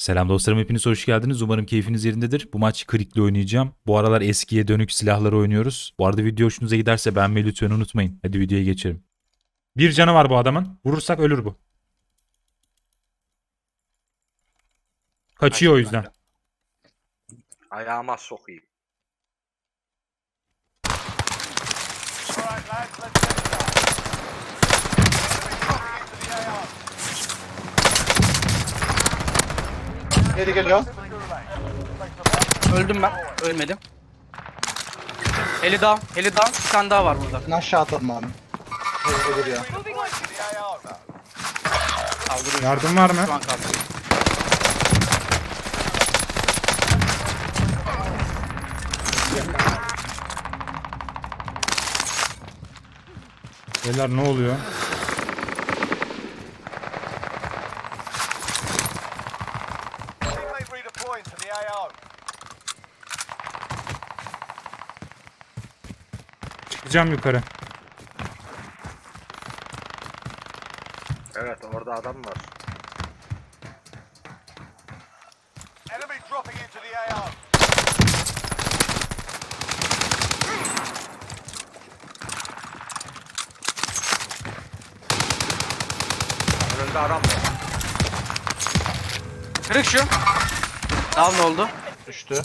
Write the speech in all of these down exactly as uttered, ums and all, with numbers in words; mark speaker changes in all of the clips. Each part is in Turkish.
Speaker 1: Selam dostlarım, hepiniz hoş geldiniz. Umarım keyfiniz yerindedir. Bu maç Krik'le oynayacağım. Bu aralar eskiye dönük silahları oynuyoruz. Bu arada video hoşunuza giderse beğenmeyi lütfen unutmayın. Hadi videoya geçelim. Bir canı var bu adamın. Vurursak ölür bu. Kaçıyor o yüzden.
Speaker 2: Ayağıma sokayım.
Speaker 3: Geri geliyor.
Speaker 4: Öldüm ben. Ölmedim. Heli down. Heli down. Bir tane daha var burada.
Speaker 3: Ben aşağı atalım abi. Geri geliyor.
Speaker 4: Kaldırıyor.
Speaker 1: Yardım var mı?
Speaker 4: Şu an kaldırıyor.
Speaker 1: Beyler ne oluyor? Çıkacağım yukarı.
Speaker 2: Evet, orada adam var.
Speaker 5: Enemy dropping into the A O.
Speaker 2: Önünde adam var.
Speaker 4: Kırık şu. Down oldu.
Speaker 3: Düştü.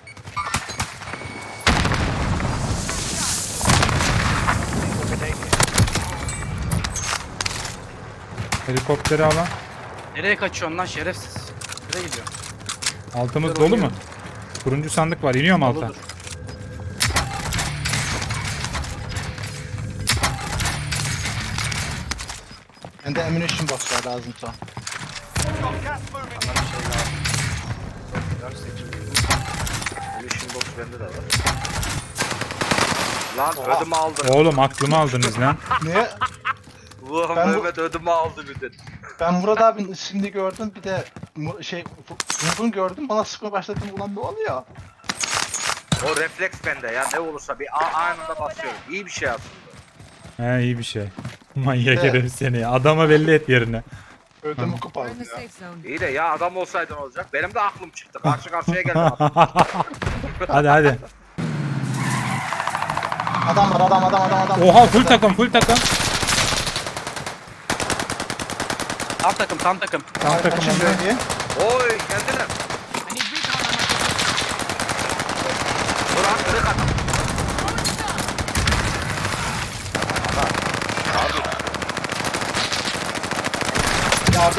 Speaker 1: Helikopteri alan.
Speaker 4: Nereye kaçıyorsun lan şerefsiz? Nereye gidiyor?
Speaker 1: Altımız dolu mu? Turuncu sandık var. İniyor mu alta?
Speaker 4: Doludur.
Speaker 3: Bende ammunition box var lazımsa.
Speaker 5: Got gas moving.
Speaker 2: Bana bir şey lazım. Biraz seçim. Munition box bende de var. Lan ödümü aldın.
Speaker 1: Oğlum aklımı aldınız lan.
Speaker 3: Niye?
Speaker 2: Ulan
Speaker 3: Ben bu-
Speaker 2: Mehmet ödümü aldı bir de.
Speaker 3: Ben Murat abinin ismini gördüm, bir de Mu- şey Umut'un gördüm, bana sıkmaya başladım, ulan ne oluyor?
Speaker 2: O refleks bende ya, ne olursa bir a- anında basıyorum. İyi bir şey aslında.
Speaker 1: He, iyi bir şey. Manyak
Speaker 3: Evet.
Speaker 1: herif seni ya. Adama belli et yerini.
Speaker 3: Ödümü
Speaker 6: We're in the
Speaker 3: kopardım ya.
Speaker 6: safe zone.
Speaker 2: İyi de ya adam olsaydın olacak. Benim de aklım çıktı. Karşı karşıya geldim. adam.
Speaker 1: Hadi hadi.
Speaker 3: Adam var, adam adam adam adam.
Speaker 1: Oha, full takım full takım.
Speaker 4: Tam takım tam takım.
Speaker 1: Tam takım
Speaker 3: Kaçın
Speaker 1: oluyor.
Speaker 3: bölgeye.
Speaker 2: Oy geldiler.
Speaker 6: I need recon on my
Speaker 2: Burak kırık adam.
Speaker 3: Yardım.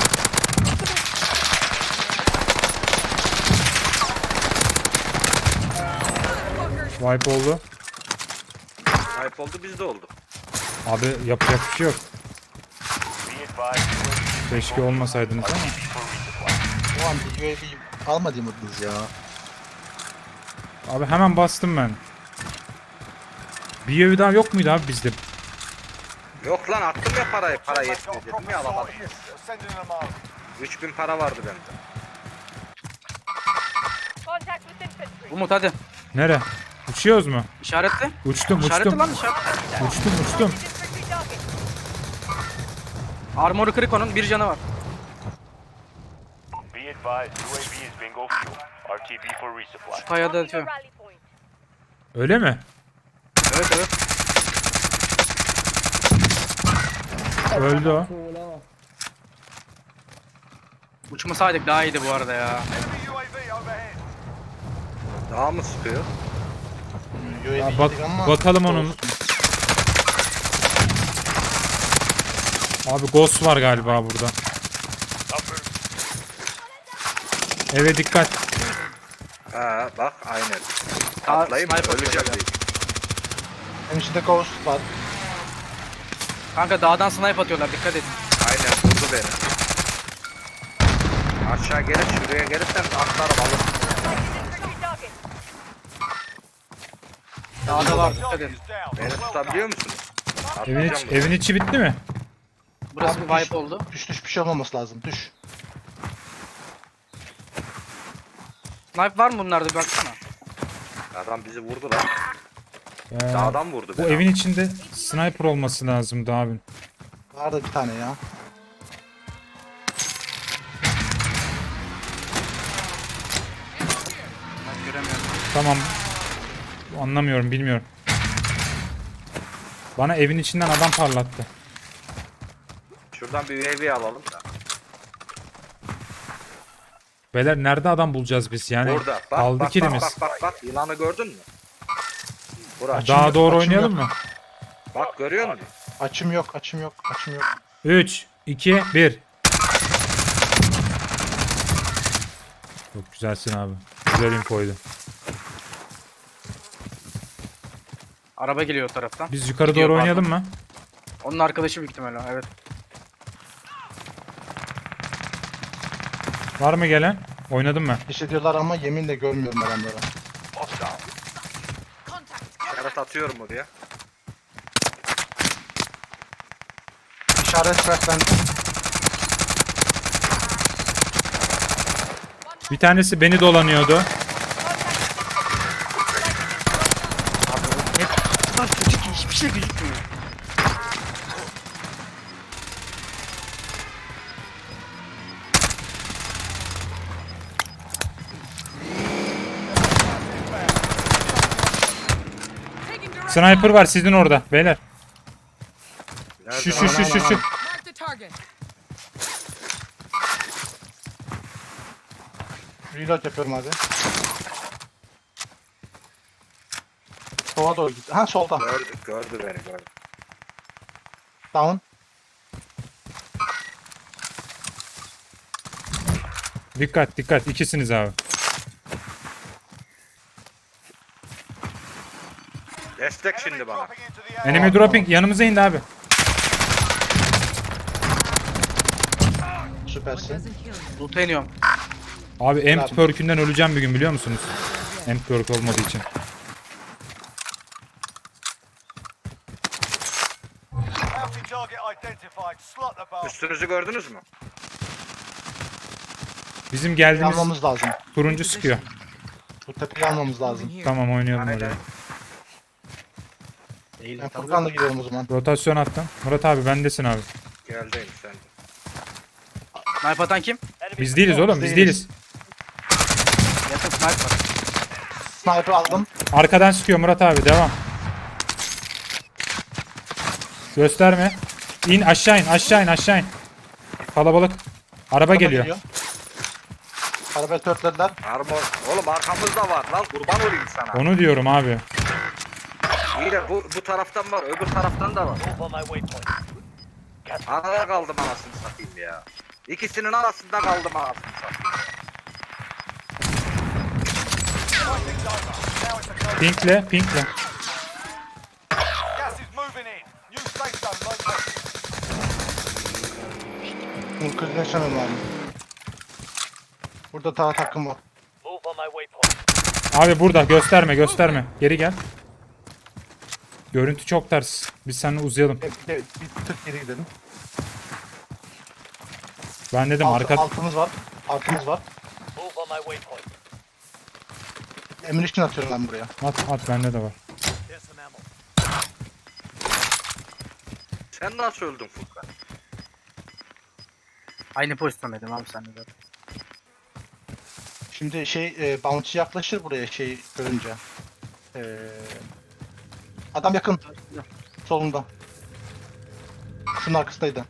Speaker 1: Wipe oldu.
Speaker 2: Ayıp oldu, bizde oldu.
Speaker 1: Abi yapacak bir şey yok. Keşke olmasaydınız ama.
Speaker 3: O an bir U A V almadınız ya.
Speaker 1: Abi hemen bastım ben. Bir evi daha yok muydu abi bizde?
Speaker 2: Yok lan, attım ya parayı. Para yetmiyor dedim ya, alamadım.
Speaker 5: Sending them out.
Speaker 2: üç bin para vardı bende.
Speaker 7: Contact with infantry.
Speaker 4: Umut hadi.
Speaker 1: Nere? Uçuyoruz mu?
Speaker 4: İşaretle.
Speaker 1: Uçtum
Speaker 4: İşaretle
Speaker 1: uçtum.
Speaker 4: lan işaretle.
Speaker 1: Uçtum uçtum.
Speaker 7: Infantry target.
Speaker 4: Armoru kırık onun. Bir canı var.
Speaker 8: Be advised, U A V is bingo fuel. R T B for resupply.
Speaker 4: Kayada
Speaker 7: Marking
Speaker 4: atıyor.
Speaker 7: the rally point.
Speaker 1: Öyle mi?
Speaker 4: Evet evet.
Speaker 1: Öldü o.
Speaker 4: Uçmasaydık daha iyiydi bu arada ya.
Speaker 5: Enemy U A V overhead.
Speaker 2: Daha mı sıkıyor?
Speaker 3: U A V
Speaker 1: Ya bak,
Speaker 3: yedik ama.
Speaker 1: bakalım onun. Abi ghost var galiba burada. Eve dikkat.
Speaker 2: Ha bak aynen.
Speaker 4: Aa,
Speaker 2: Atlayayım mı?
Speaker 4: sniper
Speaker 2: Öleceğim
Speaker 4: atıyor
Speaker 2: diye.
Speaker 3: Benim içinde ghost var.
Speaker 4: Kanka dağdan snipe atıyorlar dikkat edin.
Speaker 2: Aynen vurdu beni. Aşağı gelip şuraya gelirsen atlarım alırım.
Speaker 7: Infantry target.
Speaker 4: Dağda var dikkat edin.
Speaker 5: Target is down.
Speaker 2: Beni tutabiliyor musunuz?
Speaker 1: Evin,
Speaker 2: Atlayacağım
Speaker 1: iç,
Speaker 2: buraya.
Speaker 1: evin içi bitti mi?
Speaker 4: Burası
Speaker 3: Abi
Speaker 4: bir
Speaker 3: düş-
Speaker 4: wipe oldu.
Speaker 3: Düş düş bir şey olmaması lazım, düş.
Speaker 4: Snipe var mı bunlarda bir baksana.
Speaker 2: Adam bizi vurdu lan.
Speaker 1: Ee,
Speaker 2: Dağdan vurdu
Speaker 1: bu
Speaker 2: beni.
Speaker 1: evin içinde sniper olması lazımdı abi.
Speaker 3: Vardı bir tane ya.
Speaker 4: Göremiyorum.
Speaker 1: Tamam. Anlamıyorum, bilmiyorum. Bana evin içinden adam parlattı.
Speaker 2: Şuradan bir U A V alalım da.
Speaker 1: Beyler nerede adam bulacağız biz yani?
Speaker 2: Burada. Bak
Speaker 1: Kaldı
Speaker 2: bak,
Speaker 1: kilimiz.
Speaker 2: bak bak bak bak. Yılanı gördün mü? Burası.
Speaker 1: Daha doğru
Speaker 3: açım
Speaker 1: oynayalım
Speaker 3: yok.
Speaker 1: mı?
Speaker 2: Bak görüyor musun?
Speaker 3: Açım yok, açım yok, açım yok.
Speaker 1: üç, iki, bir. Çok güzelsin abi. Güzel infoydu.
Speaker 4: Araba geliyor o taraftan.
Speaker 1: Biz yukarı
Speaker 4: Gidiyor,
Speaker 1: doğru
Speaker 4: pardon.
Speaker 1: oynayalım mı?
Speaker 4: Onun arkadaşı büyük ihtimalle. Evet.
Speaker 1: Var mı gelen? Oynadım ben.
Speaker 3: Hissediyorlar ama yeminle görmüyorum adamları.
Speaker 2: Evet atıyorum oraya.
Speaker 3: İşaret bırak ben.
Speaker 1: Bir tanesi beni dolanıyordu.
Speaker 4: Bu kadar kötü ki hiçbir şey gözükmüyor.
Speaker 1: Sniper var sizin orada beyler.
Speaker 2: Nerede
Speaker 1: Şu
Speaker 2: lan?
Speaker 1: şu şu şu şu.
Speaker 7: Mark the target.
Speaker 3: Reload yapıyorum hadi. Sola doğru git. Ha solda.
Speaker 2: Gördü, gördü beni gördü.
Speaker 3: Down.
Speaker 1: Dikkat dikkat ikisiniz abi.
Speaker 2: Destek şimdi bana.
Speaker 5: Dropping into the A R.
Speaker 1: Enemy dropping yanımıza indi abi.
Speaker 3: Süpersin.
Speaker 4: Loot'a iniyorum.
Speaker 1: Abi emp
Speaker 3: Abi.
Speaker 1: perk'ünden öleceğim bir gün biliyor musunuz? Emp perk olmadığı için.
Speaker 5: Bounty target identified. Slot the bastard.
Speaker 2: Üstünüzü gördünüz mü?
Speaker 1: Bizim geldiğimiz
Speaker 3: Almamız lazım.
Speaker 1: turuncu sıkıyor.
Speaker 3: Bu tepeyi almamız lazım.
Speaker 1: Tamam oynayalım
Speaker 2: Aynen.
Speaker 1: oraya.
Speaker 3: Ben Furkan'la gidelim o zaman.
Speaker 1: Rotasyon attım. Murat abi bendesin abi.
Speaker 2: Geldeyim sen. de.
Speaker 4: Snipe atan kim?
Speaker 1: Biz değiliz oğlum biz değiliz.
Speaker 4: Yakın snipe var.
Speaker 3: Sniper aldım.
Speaker 1: Arkadan sıkıyor Murat abi devam. Gösterme. İn aşağı in aşağı in aşağı in. Kalabalık. Araba geliyor.
Speaker 3: Arabayı törtlediler.
Speaker 2: Armor. Oğlum arkamızda var lan kurban olayım sana.
Speaker 1: Onu diyorum abi.
Speaker 2: İyi de bu, bu taraftan var öbür taraftan da var. Arada kaldım anasını satayım ya. İkisinin arasında kaldım anasını satayım.
Speaker 1: Pinkle pinkle.
Speaker 5: Gas is moving in. New safe zone located.
Speaker 3: Bunu kırılaşamıyorum abi. Burada daha takım var.
Speaker 1: Abi burada gösterme gösterme. Geri gel. Görüntü çok ters. Biz seninle uzayalım.
Speaker 3: Bir, bir, bir tık geri gidelim.
Speaker 1: Ben dedim
Speaker 3: Alt,
Speaker 1: arka...
Speaker 3: altımız var. Altımız var. Ammunition atıyorum ben buraya.
Speaker 1: At at bende de var.
Speaker 2: Sen nasıl öldün Furkan?
Speaker 4: Aynı pozisyondaydım abi sen de zaten.
Speaker 3: Şimdi şey e, bounty yaklaşır buraya şey görünce. E, adam yakın. Solunda. Şunun arkasındaydı.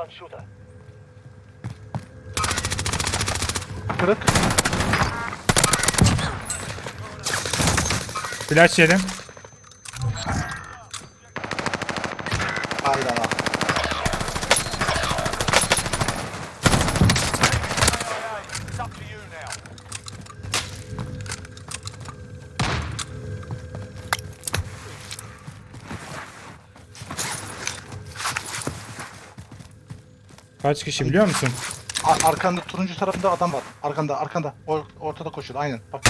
Speaker 3: Kırık.
Speaker 1: Flash yedim.
Speaker 3: Hayda.
Speaker 5: It's up to you now.
Speaker 1: Kaç kişi biliyor musun?
Speaker 3: A- arkanda turuncu tarafında adam var. Arkanda arkanda. O, ortada koşuyor aynen. Bak.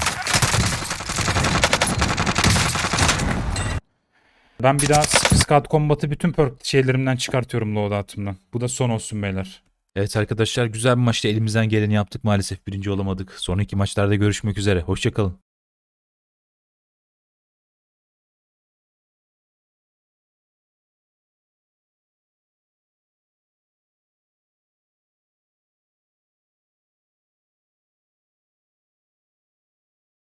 Speaker 1: Ben bir daha Scout Combat'ı bütün perk şeylerimden çıkartıyorum loadout'ımdan. Bu da son olsun beyler. Evet arkadaşlar güzel bir maçta elimizden geleni yaptık. Maalesef birinci olamadık. Sonraki maçlarda görüşmek üzere. Hoşçakalın.